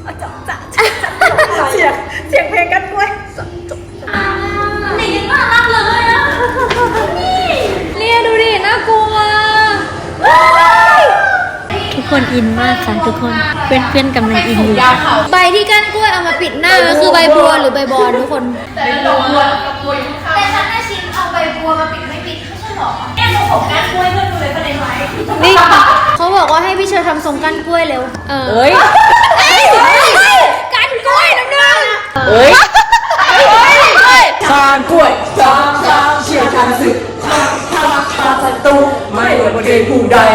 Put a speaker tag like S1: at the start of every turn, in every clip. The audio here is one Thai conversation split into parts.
S1: เสียงเพลงกันกล้วย
S2: นี่น่ารักเลยอ่ะเนี่ยดูดิน่ากลัว
S3: ทุกคนอินมากค่ะทุกคนเพื่อนๆกำลังอินอยู่
S2: ใบที่ก้านกล้วยเอามาปิดหน้าก็คือใบบัวหรือใบบอนทุกคน
S1: แต่
S2: ฉันน่าชิมเอาใบบัวมาปิดไม่ปิดไม่ใช่หรอแอบผมก้านกล้วยเพื่อนดูเลยประเด็นไว้นี่เขาบอกว่าให้พี่เชอร์ทำทรงก้านกล้วยเร็ว
S1: เอ้ย
S2: ก้านกล้วยน้ำหนึ่ง
S1: เอ้ยก้านกล้วยช้างเชี่ยวชาญศึกช้างศัตรูไม่ว่าประเด็นผู้ใด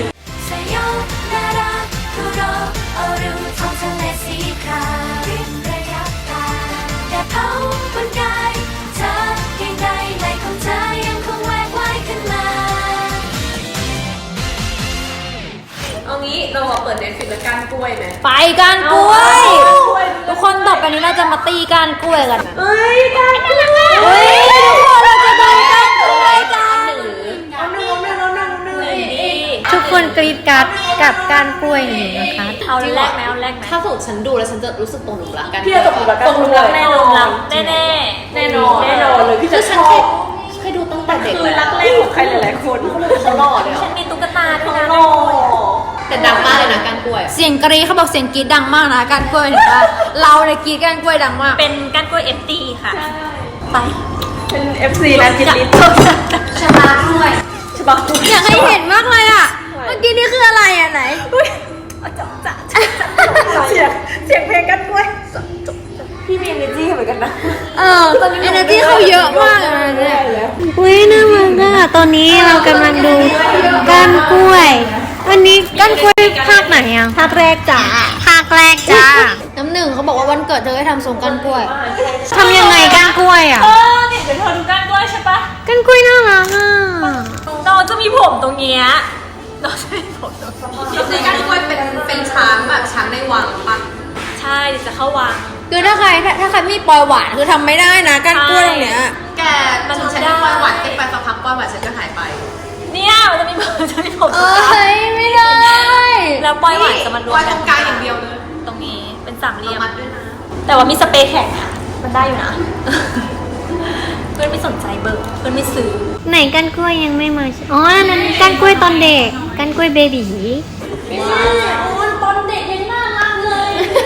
S1: เราเปิดเน็ตฟิกแล้วก้านกล้วยไหม
S2: ไปก้านกล้วยทุกคนต่อไปนี้เราจะมาตีก้านกล้วยกัน
S1: เฮ้ยก้านกล้วย
S2: เฮ้ยทุกคนเราจะตีก้านกล้วยกัน
S1: เอาหนึ่ง
S3: ทุกคนกรี๊ดกราดกับก้านกล้วยอยู่นะคะ
S2: เอาแรกไหม
S4: ถ้าสมมติฉันดูแล้วฉันจะรู้สึกตรงหลุมรักกัน
S1: พี่จะตกหลุมรักกัน
S2: แน่นอนแน่น
S1: อนเลยพี่จะชอบ
S4: เคยดูตั้งแต่เด็ก
S1: คือรักแรกของใครหลายๆคน
S4: เขาหล่อเลย
S2: ฉันมีตุ๊กตาด้วยนะ
S4: แต่ดังมากเลยนะก้านกล้วย
S2: เสียงกรี๊ดเขาบอกเสียงกรี๊ดดังมากนะก้านกล้วยเห็นป่ะเราเนี่ยกรี๊ดก้านกล้วยดังมากเป็นก้านกล้วย FT ค่ะไป
S1: เป็น FC นะจิตลิศ
S2: ชบากล้วยอยากให้เห็นมากเลยอ่ะเมื่อกี้นี่คืออะไรอ่ะไหน
S1: เสียงเพลงกันกล้วยพี่มี energy เหมือนกันนะ
S2: energy เขาเยอะมากเลยเนี่ย
S3: อุ้ยน่ารักอ่ะตอนนี้เรากำลังดูก้านกล้วยวันนี้ก้านกล้วยภาคไหนอ่ะภาคแรกจ้า
S2: น้ำหนึ่งเขาบอกว่าวันเกิดเธอให้ทำทรงก้านกล้วย
S3: ทำยังไงก้านกล้วยอ่ะ
S2: เนี่ยเดี๋ยวเธอดูก้านกล้วยใช่ปะ
S3: ก้านกล้วยน่ารักอ่ะ
S2: น้องจะมีผมตรงเนี้ยน้องจะมีผมตรงนี้
S4: ในก้านกล้วยเป็นช้างแบบช้างในวังปะ
S2: ใช่จะเข้าวังคือถ้าใครไม่ปล่อยหวานคือทำไม่ได้นะก้านกล้วยตรงเนี้ย
S4: แกมันฉันปล่อยหวานเต้นไปสักพักปล่อยหวานฉันจะหายไป
S2: เนี่ยมันจะมีผมไม่ได้แล้วปล่อยหวานจะมารวม
S4: กันตรงกลางอย่างเดียวเลย
S2: ตรงนี้เป็นสามเหลี่ยมแต่ว่ามีสเปรย์แข็งค่ะมันได้อยู่นะเพื่อนไม่สนใจเบอร์เพื่อนไม่ซื้อ
S3: ไหนก้านกล้วยยังไม่มาอ๋อนั่นก้านกล้วยตอนเด็กก้านกล้วยเบบี
S2: ตอนเด็กยังน่ารักเลย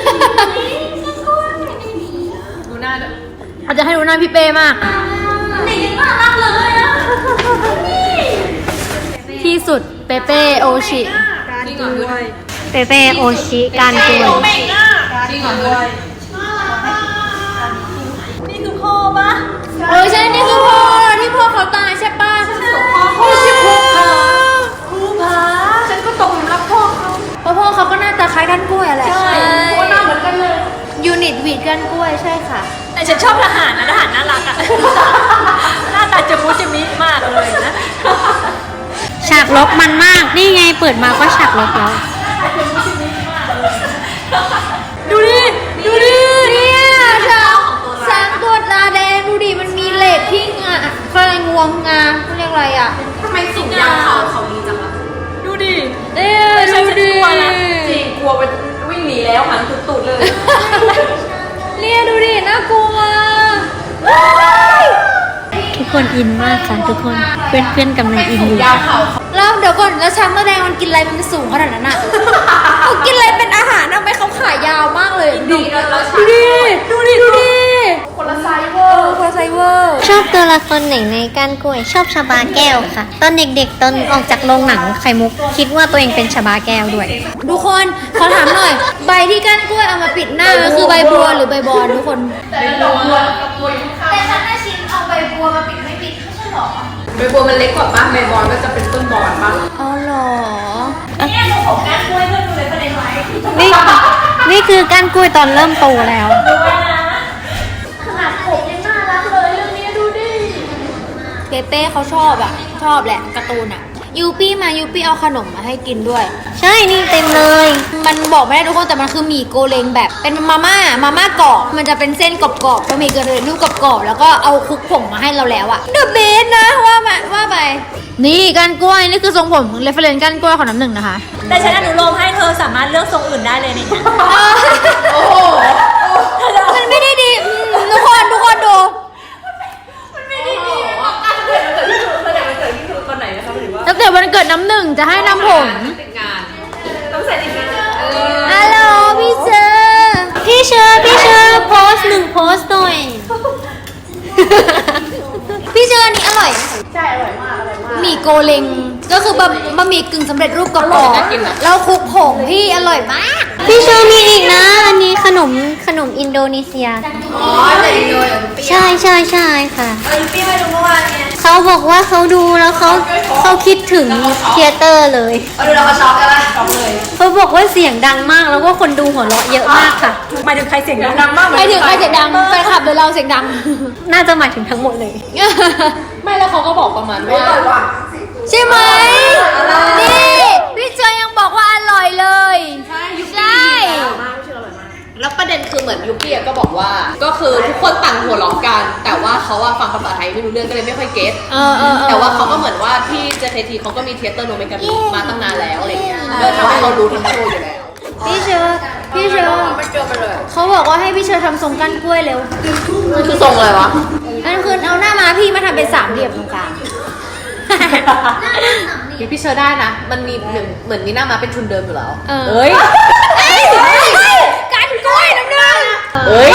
S4: ดูหน้าด้วย
S2: อาจจะให้ดูหน้าพี่เป้มากเด็กยังน่ารักเลยอ่ะที่สุดเปเป้โอชิ
S4: จริงเหรอด้วย
S3: เปเป้โอชิก้านกล้วย
S4: จริงเหรอด้วย
S2: นี่คือพ่อปะใช่นี่คือพ่อที่พ่อเขาตายใช่ปะ
S1: พ่อชื่อภูผาฉันก็ตกหลุมรักพ่อเขา
S2: เพราะพ่อเขาก็หน้าตาคล้ายก้านกล้วยแหละ
S1: ใช่พ่อหน้าเหมือนกันเลย
S2: ยูนิตวีดก้านกล้วยใช่ค่ะแต่ฉันชอบทหารนะทหารน่ารักอ่ะหน้าตาจะมุจะมิมากเลยนะ
S3: ฉากลบมันมากนี่ไงเปิดมาก็ฉากลบแล้ว
S2: ดูดิเนี่ยช้างตัวตาแดงดูดิมันมีเหล็กที่อะไรงวงงาเขาเรียกอะไรอ่ะ
S4: ทำไมสูงยาวเขาดีจังล่ะ
S2: ดูดิ
S1: ดูดิจริงกลัวไปวิ่งหนีแล้วหันตุดๆเลย
S2: เนี่ยดูดิน่ากลัว
S3: ทุกคนอินมากค่ะทุกคนเพื่อนๆกำลังอินอยู่
S2: แล้วเดี๋ยวก่อนแล้วช้างแสดงมันกินอะไรมันสูงขนาดนั้นอ่ะเขากินอะไรเป็นอาหารทำไมเขาขายาวมากเลยดูดิ
S1: คนละไซเวอร์
S3: ชอบตัวละครไหนในก้านกล้วยชอบชบาแก้วค่ะตอนเด็กๆตอนออกจากโรงหนังไข่มุกคิดว่าตัวเองเป็นชบาแก้วด้วย
S2: ทุกคนขอถามหน่อยใบที่ก้านกล้วยเอามาปิดหน้าก็คือใบบัวหรือใบบอนทุกคน
S1: แต่
S2: ฉันน่าชิมเอาใบบัวมาปิดไม่ปิดไม่ใช่หรอ
S4: ใบบัวมันเล็กกว่าป่ะใบบอนก็จะเป็นต้นบอนป่ะ
S2: อ๋อหรอเนี่ยตรงของก้านกล้วยเพื่อนดูเลยประเด็นไว้
S3: นี่คือก้านกล้วยตอนเริ่มโตแล้ว
S2: ขนาดผมยังน่ารักเลยเรื่องนี้ดูดิเปเป้เขาชอบแหละการ์ตูนอ่ะยูปี้เอาขนมมาให้กินด้วย
S3: ใช่นี่เต็มเลย
S2: มันบอกไม่ได้ทุกคนแต่มันคือหมี่โกเลงแบบเป็นมาม่ากรอบมันจะเป็นเส้นกรอบๆบะหมี่กระเทียมลูกกรอบๆแล้วก็เอาคลุกผงมาให้เราแล้วอะเดอะเบสนะว่าไปนี่ก้านกล้วยนี่คือทรงผมเรฟเฟรนซ์ก้านกล้วยของน้ำหนึ่งนะคะแต่ฉันอนุโลมให้เธอสามารถเลือกทรงอื่นได้เลยนี่โอ้โกเลงก็คือบะหมี่กึ่งสำเร็จรูปกรอบๆแล้วคลุกผงพี่อร่อยมาก
S3: พี่เชอร์มีอีกนะ อันนี้ขนมอินโดนีเซีย
S4: อ๋อแต่อินโดย
S3: ใช่ค่ะ
S4: พี่ไปดูเมื่อวานไง
S3: เขาบอกว่าเขาดูแล้วเขาคิดถึงเธียเตอร์เลย
S4: ดูเราช็อกกันละช็อกเลย
S3: เขาบอกว่าเสียงดังมากแล้วก็คนดูหัวเราะเยอะมากค่ะ
S1: หมายถึงใครเสียงดังมาก
S2: ใครถึงใครเสียงดังแฟนคลับหรือเราเสียงดัง
S3: น่าจะหมายถึงทั้งหมดเลย
S4: ไม่แล้วเขาก็บอกประมาณว่า
S2: ใช่ไหมนี่พี่เจยยังบอกว่าอร่อยเลยใช่
S4: แล้วประเด็นคือเหมือนยุกี้ก็บอกว่า ก็คือทุกคนต่างหัวเราะกัน แต่ว่าเขาอะฟังภาษาไทยไม่รู้เรื่องก็เลยไม่ค่อยเก็ตแต่ว่าเขาก็เหมือนว่าพี่เจเคทีเขาก็มีเทยเตอร์โนเมกามิมาตั้งนานแล้วอะไรเงี้ยเลยทำให้เขารู้ทั้งโชว์อยู่แล้ว
S2: พี่เชอร์
S4: ไม่เจอไปเลย
S2: เขาบอกว่าให้พี่เชอร์ทำทรงก้านกล้วยเร็ว
S4: มันคือทรงอะไรวะ
S2: นั่นคือเอาหน้ามาพี่มาทำเป็นสามเหลี่ยมตรงกลาง
S4: พี่เชอร์ได้นะ มันมีหนึ่งเหมือนมีหน้ามาเป็นทุนเดิมอยู่แล้ว
S2: เอ้ยก้านกล้วยน้ำหนึ่ง
S4: เฮ้ย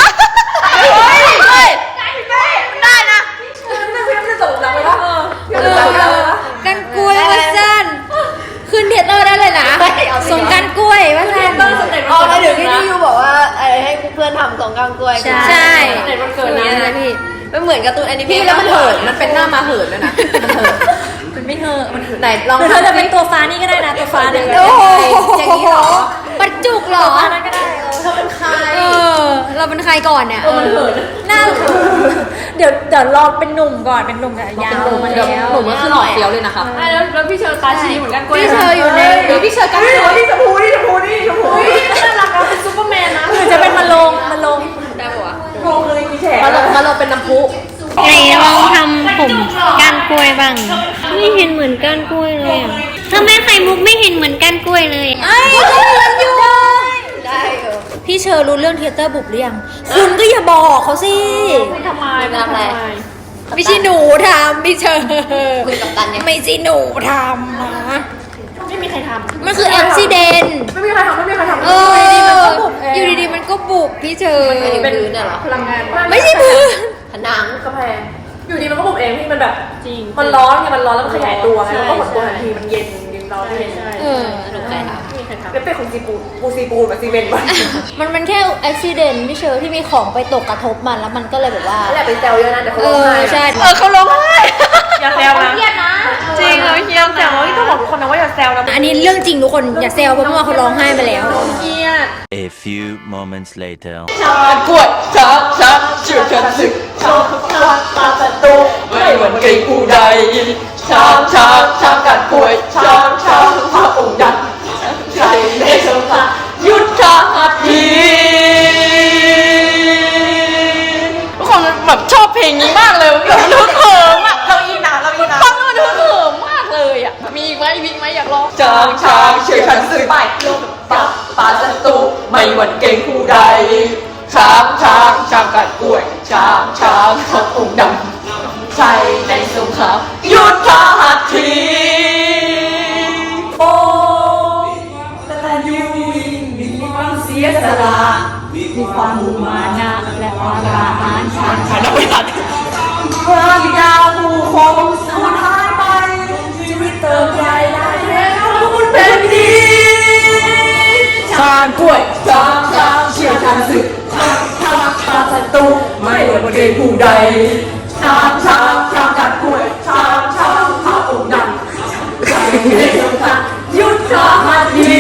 S2: ได้นะ
S1: พี่ไม่ได้ส่งดังไปแล้ว
S2: ก้านกล้วยว่าสั้นขึ้นเทยเตอร์ได้เลยนะทรงก้านกล้วยว่าสั้น
S4: อ๋อแล้วเดี๋ยวพี่ยูบอกว่าให้เพื่อนทำทรงกลางกล้วย
S2: ใช่
S1: เด็กมันเกิดนะ
S2: นะพี่
S4: มันเหมือนการ์ตูนแอนิเมะแล้วมันเหิน มันเป็นหน้ามาเหินด้วยนะมันเหิน
S1: มันไม่เธอมัน
S4: ไหนลอง
S1: เธอจะเป็นตัวฟ้านี่ก็ได้นะตัวฟ้าเนี่ย
S2: โอ้โห
S4: อย่างนี้เหรอ
S2: ปัจจุกเหรอ
S1: ฟ้านั้นก็ได้
S4: เธอเป็นใคร
S2: เราเป็นใครก่อนเนี่ย
S1: มันเหินหน้าเดี๋ยวรอเป็นหนุ่มก่อนเป็นหนุ่มกับยาวมา
S4: เดี๋ยว
S1: แล้ว
S4: หนูมันคือหล่อเฟี้ยวเลยนะคะ
S1: แล้วพี่เชอร์ตาชี้เหมือนกันกล้วย
S2: พี่เชอร์อยู่ใน
S4: เดี๋ยวพี่เชอร์กันตัว
S1: นี่ชมพูนี่น่ารักนะเป็นซูเปอร์แมนนะหรือจะเป็นมาลง
S4: ได้ปะวะ
S1: โกงเลยกี่แฉก
S4: มาเราเป็นน้ำพุ
S3: ไหนลองทำผมก้านกล้วยบ้างไม่เห็นเหมือนก้านกล้วยเลยอะทำไมไข่มุกไม่เห็นเหมือนก้านกล้วยเลย
S2: ไอ้ก็เหมือนอยู่
S4: ได้เหรอ
S2: พี่เชอร์รู้เรื่องเทยเตอร์บุบหรือยัง คุณก็อย่าบอกเขาสิ
S1: ทำไม
S2: ไม่ใช่หนูทำพี่เชอร์
S4: คุยกับตันยัง
S2: ไม่ใช่หนูทำนะ
S1: ไม่มีใครทำ
S2: มันคืออุบิเหตุ
S1: ไม่มีใครทำ
S2: เอออยู่ดีๆมันก็บุบพี่เชอร์
S4: เป็นพื้นเนี่ยเหรอ
S1: พลังงาน
S2: ไม่ใช่พื้น
S4: ผนัง
S1: กระแพงอยู่ดีมันก็บุบเองที่มันแบบจริงมันร้อนไงมันร้อนแล้วมันขยายตัวไงมันก็หดตัวทันทีมันเย็นร้อนเย็น
S2: เออ
S4: หนูใครท
S1: แล้วเป็นของซีปูนแบบซีเมนต์วะ
S2: มันแค่อุบิเหตุพี่เชอร์ที่มีของไปตกกระทบมันแล้วมันก็เลยแบบว่า
S1: แหละไปแซวเยอะนะแต่เขา
S2: เอ
S1: ร้อง
S2: อ
S1: ไห้
S2: ใช่
S1: เขาร้องไห้อย่าแซวนะ
S2: เครียดนะ
S1: จริงเราเฮียแซวต้องบอกทุกคนนะว่าอย่าแซวนะ
S2: อันนี้เรื่องจริงทุกคนอย่าแซวเพราะเมื่อวานเขาร้องไห้ไปแล้ว
S1: เฮีย
S5: A few moments later.
S1: กวดช้าเชื่อกันสึกช้าตาประตูไม่เหมือนเกย์ผู้ใดช้ากัดกล้วยช้าพระองค์ยันใช่ในสงครามยุทธหัตถีทุกคนแบบชอบเพลงนี้มากเลยแบบมันฮึกเหิมอ่ะเราอินนะฟังแล้วมันฮึกเหิมมากเลยอ่ะมีอีกไหมอยากลองช้างเชื่อฉันสึกไปลงปาศัตรูไม่หวั่นเกรงผู้ใดช้างกัดกล้วยช้างพระองค์ดำใช่ในสงครามยุทธหัตถีโอ้แต่ยูมีความเสียสละมีความมุ่งมานะและความกล้าหาญชาญฉลาดพระบิดาผู้คงสูญหายไปชีวิตเติมใจได้แล้วคุณเป็นดีช้างกล้วยช้างเชี่ยวชาญศึกทำศัตรูไม่หวั่นเกรงผู้ใดช้างกัดกล้วยช้างพระองค์ดำใช่ในสงครามยุทธหัตถี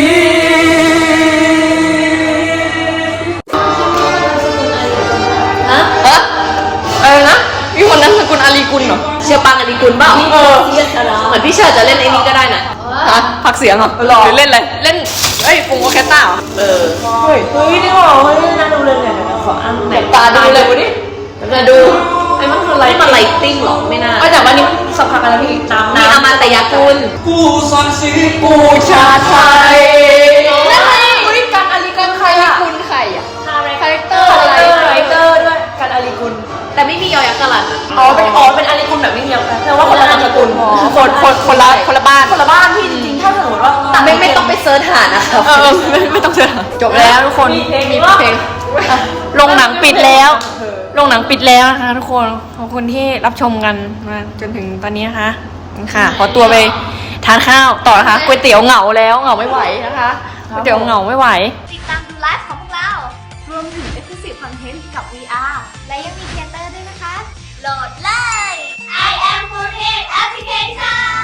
S4: อะไรนะมีคนนั้นสกุลอาลีกุลเหรอเชียร์ปังอาลีกุลเปล่าเหมือนพี่เชอร์จะเล่นไอ้นี้ก็ได้นะฮะพักเสียงเหรอหรือเล่นอะไรเล่นปุงโอเคต้าเหรอ
S1: เฮ้ยนี่หรอเฮ้ยน่าดูเลยเนี่ยขออันไหน
S4: ตาดูเลยวันนี้มาดูไอ้มันคืออะไรมันไลติ้งหรอไม่น่าแต่วันนี้สักพักอะไรพี่น้ำอมตะกุล
S1: ผู้สอนศิลป์ผู้ชาไทย
S4: อุ้ยการอาลีกุลใครคุณใครอ่ะคาแรคเตอร์
S1: ด้วยการอาลีกุล
S4: แต่ไม่มียอยักษ์กะลัน
S1: เป็นอาลีกุลแบบไม่เดียวกันแต่ว่าคนละนามสกุลคนละบ้านที่จริงๆถ้าสมมติว่า
S4: ไม่ต้องไปเซิร์ชหานะครับไม่ต้องเซิร์ชจบแล้วทุกคนมีเพลง
S6: โรงหนังปิดแล้วนะคะทุกคนขอบคุณที่รับชมกันมาจนถึงตอนนี้นะคะค่ะขอตัวไปทานข้าวต่อนะคะก๋วยเตี๋ยวเหงาแล้วเหงาไม่ไหวนะคะก๋วยเตี๋ยวเหงาไม่ไหว
S3: ติดตามดูไลฟ์ของพวกเรา รวมถึง Exclusive Content กับ VR และยังมีเทเตอร์ด้วยนะคะ โหลดเลย I am Foodhead Application